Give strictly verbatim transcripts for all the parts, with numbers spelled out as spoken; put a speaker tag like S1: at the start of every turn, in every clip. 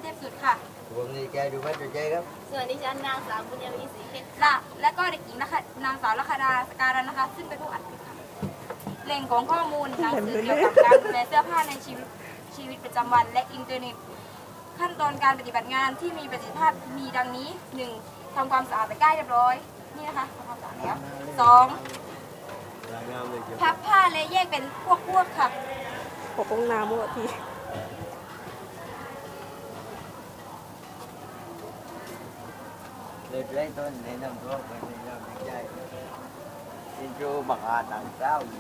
S1: เทพสุดค่ะ
S2: ผมดีใจดูว่าจะใจครับ
S3: ส่วนดิฉันนางสาวบุญยวีศรีเพชร
S1: และและก็เด็กหญิงนะคะนางสาวลัคดาสการันนะคะ ซึ่งเป็นผู้อัดคลิปค่ะแหล่งของข้อมูลหนังสือเกี่ยวกับการดูแลเสื้อผ้าในชีวิตชีวิตประจำวันและอินเทอร์เน็ต ขั้นตอนการปฏิบัติงานที่มีประสิทธิภาพมีดังนี้ หนึ่ง ทำความสะอาดตะกร้าเรียบร้อยนี่นะคะทำความสะอาดแล้วสอง
S2: รายงานเลยเกี่ยว
S1: พับผ้าและแยกเป็นพวกพวกๆค่ะ
S4: ปกป้องน้ำหมดที
S2: เลยเริ่มต้นในน้ำท่วมไปในน้ำใจอินโทรบักอาหนังเจ้าอยู่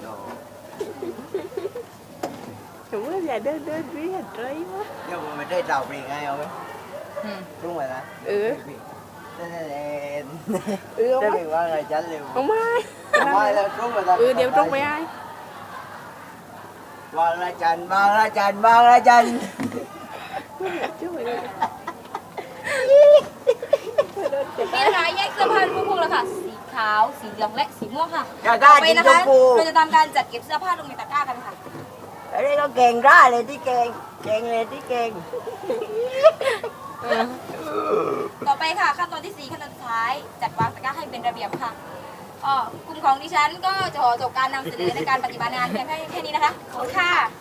S4: ถือว่าอย่าเดินเดินวิ่งอะไรวะ
S2: nhưng mà mình thấy đầu bị ngay không ấy đúng rồi đó
S4: เออ
S2: thế nên là
S4: เออ
S2: thế
S4: เอา
S2: mình qua ngày tránh liền
S4: เอาไม่
S2: mai là đúng rồi đó
S4: เออเดี๋ยวตรงไปไอ้
S2: ba la chành ba la chành ba la chành
S4: ช่วยเลย
S1: นี่นะคะแยกเสื้อผ้าเป็นพวกพวกๆแล้วค่ะ สีขาว สีเหลืองและสีม่วงค่ะ
S2: Cà
S1: ต่อ
S2: ca
S1: ไป
S2: chín
S1: นะคะ
S2: chục phu
S1: เราจะทำการจัดเก็บเสื้อผ้าลงในตะกร้ากันค่ะ
S2: ở đây có kèn ra lên tí kèn kèn lên tí kèn
S1: ต่อไปค่ะขั้นตอนที่สี่ขั้นตอนสุดท้ายจัดวางตะกร้าให้เป็นระเบียบค่ะอ๋อกลุ่มของดิฉันก็จะขอจบการนำเสนอในการปฏิบัติงานเพียงแค่แค่นี้นะคะขอบคุณค่ะ